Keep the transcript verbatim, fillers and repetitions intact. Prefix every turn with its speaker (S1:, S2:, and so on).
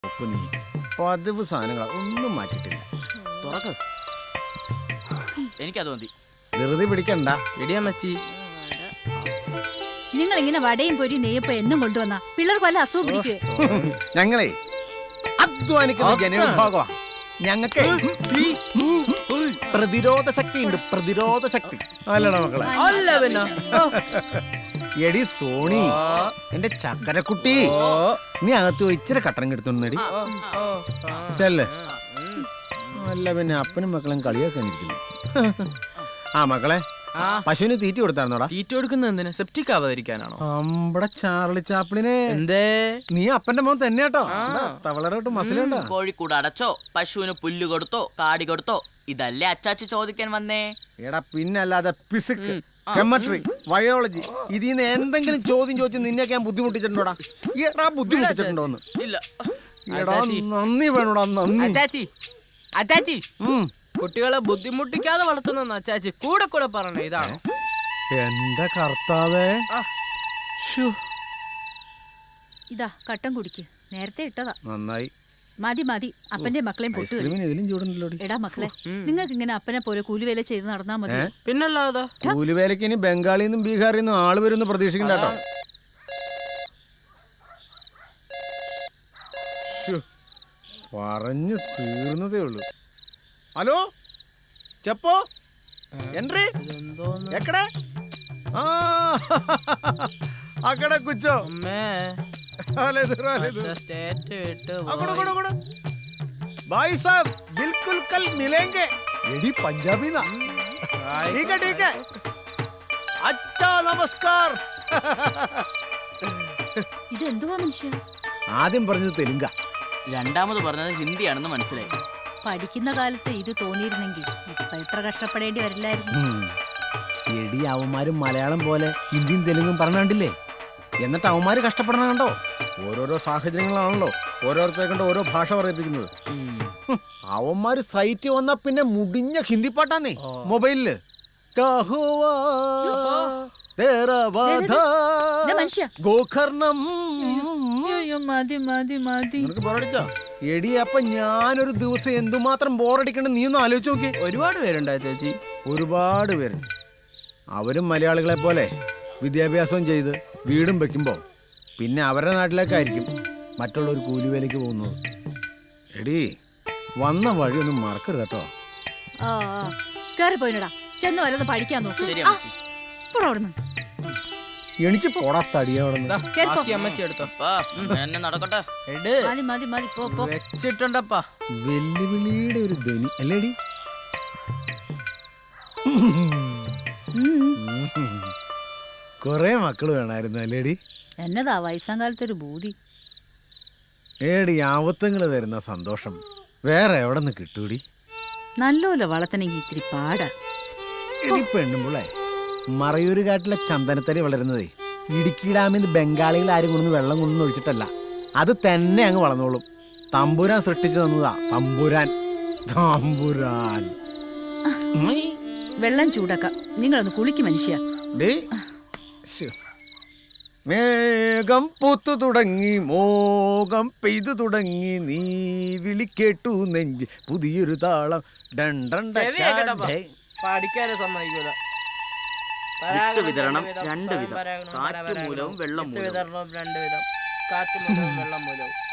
S1: നീ പതിവ് സാധനങ്ങൾ ഒന്നും മാറ്റിട്ടില്ല.
S2: തുറക്ക്, എനിക്കത് മതി.
S1: ധൃതി പിടിക്കണ്ട.
S3: എടിയമ്മച്ചി,
S4: നിങ്ങൾ ഇങ്ങനെ വടയും പൊരി നെയ്യപ്പം എന്നും കൊണ്ടുവന്ന പിള്ളേർക്ക് വല്ല അസുഖം പിടിക്കേ?
S1: ഞങ്ങളെ അധ്വാനിക്കുന്ന ജനവിഭാഗമാ. ഞങ്ങൾക്ക് പ്രതിരോധ ശക്തി ഉണ്ട്, പ്രതിരോധ ശക്തി. അല്ലടാ മക്കളെ? എടി സോണി, എന്റെ ചക്കരക്കുട്ടി, നീ അകത്ത് ഇച്ചിരി കട്ടൻ എടുത്തോണ്ടി ചെല്ലേ. അല്ല പിന്നെ അപ്പനും മക്കളും കളിയാക്കാൻ ഇരിക്കുന്നു. ആ മക്കളെ, പശുവിന് തീറ്റ കൊടുത്തായിരുന്നോടാ?
S3: തീറ്റ കൊടുക്കുന്ന എന്തിനാ? സെപ്റ്റിക് ആവാതിരിക്കാനാണോ?
S1: അമ്പടെ ചാർലി ചാപ്പിളിനെ.
S3: എന്തേ?
S1: നീ അപ്പന്റെ മോൻ തന്നെ കേട്ടോ. തവളരോട്ട് മസിലുണ്ടോ?
S2: കോഴിക്കൂട് അടച്ചോ, പശുവിന് പുല്ല് കൊടുത്തോ, കാടി കൊടുത്തോ? ഇതല്ലേ അച്ചാച്ചി ചോദിക്കാൻ വന്നേ.
S1: എടാ പിന്നല്ലാതെ ഫിസിക്സ്, കെമിസ്ട്രി, ബയോളജി ഇതിന്ന് എന്തെങ്കിലും ചോദ്യം ചോദിച്ച് നിന്നെയൊക്കെ ഞാൻ ബുദ്ധിമുട്ടിച്ചിട്ടുണ്ടോടാ? എടാ ബുദ്ധിമുട്ടിച്ചിട്ടുണ്ടോന്ന്?
S2: ഇല്ല.
S1: എടാ നന്ദി വേണോടാ, നന്ദി.
S3: അച്ചാച്ചി, അച്ചാച്ചി, കുട്ടികളെ ബുദ്ധിമുട്ടിക്കാതെ വളർത്തുന്ന അച്ചാച്ചി കൂടെ കൂടെ പറഞ്ഞ ഇതാണോ?
S1: എന്റെ കർത്താവേ.
S4: ഇതാ കട്ടൻ കുടിക്ക്, നേരത്തെ ഇട്ടതാ.
S1: നന്നായി.
S4: മതി മതി, അപ്പന്റെ മക്കളെയും പൊട്ടു. എടാ മക്കളെ, നിങ്ങൾക്ക് ഇങ്ങനെ അപ്പനെ പോലെ കൂലിവേല ചെയ്ത് നടന്നാ മതി.
S3: പിന്നല്ലാതെ
S1: കൂലിവേലക്ക് ഇനി ബംഗാളിൽ നിന്നും ബീഹാറിൽ നിന്നും ആള് വരുമെന്ന് പ്രതീക്ഷിക്കണ്ട കേട്ടോ. പറഞ്ഞു തീർന്നതേ ഉള്ളൂ. ഹലോ ചെപ്പോ, എൻട്രി എക്കടെ? ആ അക്കടെ കുച്ചോ. भाई साहब बिल्कुल कल मिलेंगे. एडी पंजाबी ना. ठीक है ठीक है. अच्छा नमस्कार.
S4: ഇത് എന്തുവാ മനുഷ്യ?
S1: ആദ്യം പറഞ്ഞത് തെലുങ്ക,
S2: രണ്ടാമത് പറഞ്ഞത് ഹിന്ദിയാണെന്ന് മനസ്സിലായി.
S4: പഠിക്കുന്ന കാലത്ത് ഇത് തോന്നിയിരുന്നെങ്കിൽ ഇപ്പൊ ഇത്ര കഷ്ടപ്പെടേണ്ടി വരില്ലായിരുന്നു.
S1: എടി അവന്മാരും മലയാളം പോലെ ഹിന്ദിയും തെലുങ്കും പറഞ്ഞില്ലേ? എന്നിട്ട് അവന്മാര് കഷ്ടപ്പെടണം കണ്ടോ? ഓരോരോ സാഹചര്യങ്ങളാണല്ലോ ഓരോരുത്തരെ കണ്ട് ഓരോ ഭാഷ പറയിപ്പിക്കുന്നത്. അവന്മാര് സൈറ്റ് വന്നാ പിന്നെ മുടിഞ്ഞ ഹിന്ദി പാട്ടാന്നേ മൊബൈലില്. എടി അപ്പൊ ഞാനൊരു ദിവസം എന്തുമാത്രം ബോറടിക്കണ്ട നീ ഒന്ന് ആലോചിച്ച് നോക്കി.
S3: ഒരുപാട് പേരുണ്ടോ ചേച്ചി?
S1: ഒരുപാട് പേരുണ്ട്. അവരും മലയാളികളെ പോലെ വിദ്യാഭ്യാസം ചെയ്ത് വീടും വെക്കുമ്പോൾ പിന്നെ അവരുടെ നാട്ടിലേക്കായിരിക്കും മറ്റുള്ളവർ കൂലിവേലയ്ക്ക് പോകുന്നത്. എടി വന്ന വഴിയൊന്നും മറക്കരുത് കേട്ടോ.
S4: കേറി പോയിടാ, ചെന്ന് വല്ലതും പഠിക്കാൻ നോക്കും.
S1: എണിച്ച് പോടാ തടിയോടെ.
S3: അമ്മച്ചി എടുത്തോ,
S2: നടക്കട്ടെ.
S3: വെച്ചിട്ടുണ്ടപ്പാ.
S1: വെല്ലുവിളിയുടെ ഒരു ധ്വനി അല്ലേടി? കൊറേ മക്കള് വേണമായിരുന്നു അല്ലേടി?
S4: എന്നതാ വയസ്സാം കാലത്തൊരു ബൂതി.
S1: ഏടി ആവത്തങ്ങള് തരുന്ന സന്തോഷം വേറെ എവിടെ നിന്ന് കിട്ടൂടി?
S4: നല്ലോല വളർത്തണെങ്കി ഇത്തിരി പാടാ.
S1: എടി പെണ്ണുമ്പുള്ളേ, മറയൂര് കാട്ടിലെ ചന്ദനത്തടി വളരുന്നതേ ഇടുക്കി ഡാമിൽ നിന്ന് ബംഗാളികൾ ആരും കൊണ്ടു വെള്ളം കൊണ്ടു ഒഴിച്ചിട്ടല്ല, അത് തന്നെ അങ്ങ് വളർന്നോളും. തമ്പുരാൻ സൃഷ്ടിച്ചു തന്നതാ. തമ്പുരാൻ തമ്പുരാൻ
S4: വെള്ളം ചൂടാക്കാം. നിങ്ങളൊന്ന് കുളിക്ക് മനുഷ്യ.
S1: മേഘം പൂത്തു തുടങ്ങി, മോകം പെയ്തു തുടങ്ങി, നീ വിളിക്കേട്ടു നെഞ്ച് പുതിയൊരു താളം.
S3: പഠിക്കാനും സമ്മതിക്കൂല.
S2: വിതരണം രണ്ട് വിധം, കാറ്റ് മൂലവും വെള്ളം മൂലവും.
S3: വിതരണം രണ്ട് വിധം, കാറ്റ് മൂലവും വെള്ളം മൂലവും.